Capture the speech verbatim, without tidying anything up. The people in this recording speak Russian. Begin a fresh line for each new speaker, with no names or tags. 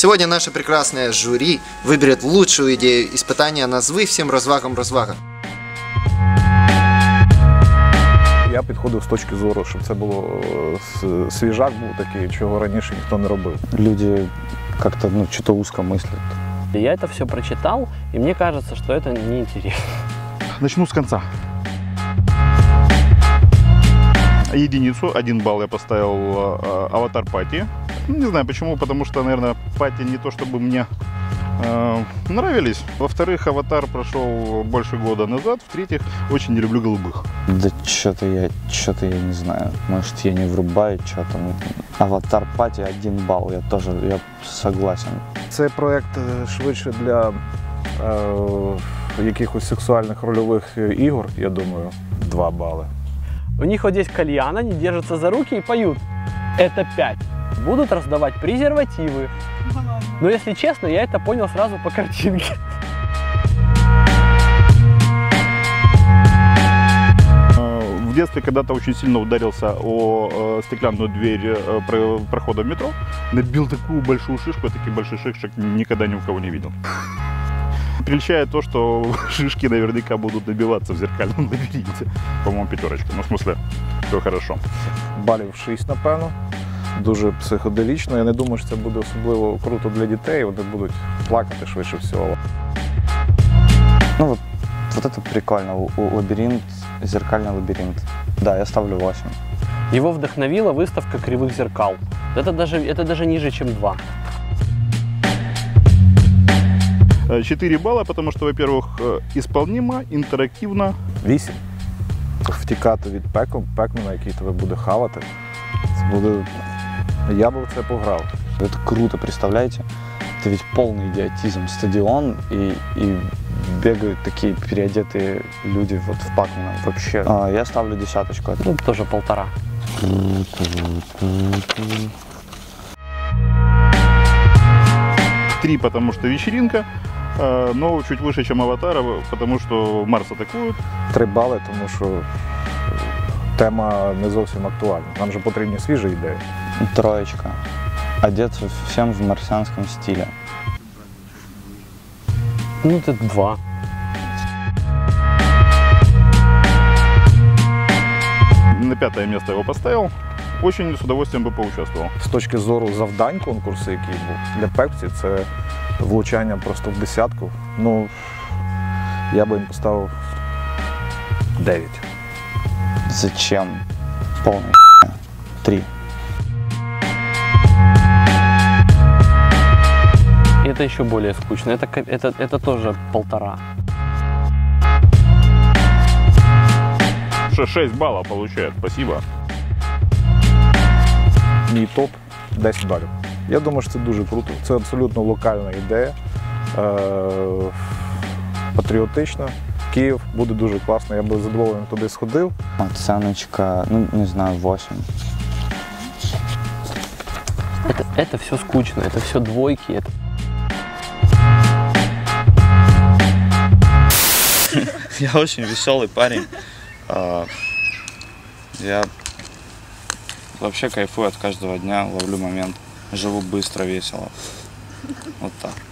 Сегодня наше прекрасное жюри выберет лучшую идею испытания назви всем розвагам розвага.
Я підходив з точки зору, щоб це було свіжак був такий, чого раніше ніхто не робив.
Люди как-то, ну, что-то узко мыслят.
Я это все прочитал, и мне кажется, что это неинтересно.
Начну с конца. Единицу, один балл я поставил э, аватар пати. Не знаю почему, потому что, наверное, пати не то чтобы мне э, нравились. Во-вторых, аватар прошел больше года назад. В-третьих, очень не люблю голубых.
Да что-то я, что-то я не знаю. Может, я не врубаю, что там. Аватар пати один балл, я тоже, я согласен.
Це проєкт швидше для е, якихось сексуальних рольових ігор, я думаю, два бали.
У них вот здесь кальян, они держатся за руки и поют. Это пять. Будут раздавать презервативы. Но если честно, я это понял сразу по картинке.
В детстве когда-то очень сильно ударился о э, стеклянную дверь э, про, прохода в метро. Набил такую большую шишку, я таких больших шишек никогда ни у кого не видел. Прельщает то, что шишки наверняка будут набиваться в зеркальном лабиринте. По-моему, пятерочка. Ну, в смысле, все хорошо.
Балів шість, напевно. Дуже психоделічно. Я не думаю, що це буде особливо круто для дітей. Вони будуть плакати швидше всього.
Ну вот, вот это прикольно. У, у лабиринт, зеркальный лабиринт. Да, я ставлю восемь.
Его вдохновила выставка кривых зеркал. Это даже, это даже ниже, чем два.
четыре балла, потому что, во-первых, исполнимо, интерактивно.
вісім. Втікати від пеку, пеку, на який тебе буде хавати. Це буде... Я би в це пограв.
Это круто, представляете? Это ведь полный идиотизм. Стадион и, и бегают такие переодетые люди вот в Пакмана. Вообще. А, я ставлю десяточку.
Ну, тоже полтора.
Три, потому что вечеринка, но чуть выше, чем Аватара, потому что Марс атакует.
Три бали, тому що тема не зовсім актуальна. Нам же потрібні свіжі ідеї.
Троечка. Одеться всем в марсианском стиле.
Ну, это два.
На пятое место его поставил. Очень с удовольствием бы поучаствовал.
З точки зору завдань конкурсу, який був для пепсі, це влучання просто в десятку. Ну, я би їм поставив дев'ять.
Зачем? Полный три.
Это еще более скучно. Это, это, это тоже полтора.
шесть баллов получает, спасибо.
Мій топ десять балів. Я думаю, що це дуже круто. Це абсолютно локальна ідея, е- патріотична. Київ буде дуже класно, я би з задоволенням туди сходив.
Оценочка, ну, не знаю, восемь.
Это, это все скучно, это все двойки. Это...
Я очень веселый парень. Я вообще кайфую от каждого дня, ловлю момент. Живу быстро, весело. Вот так.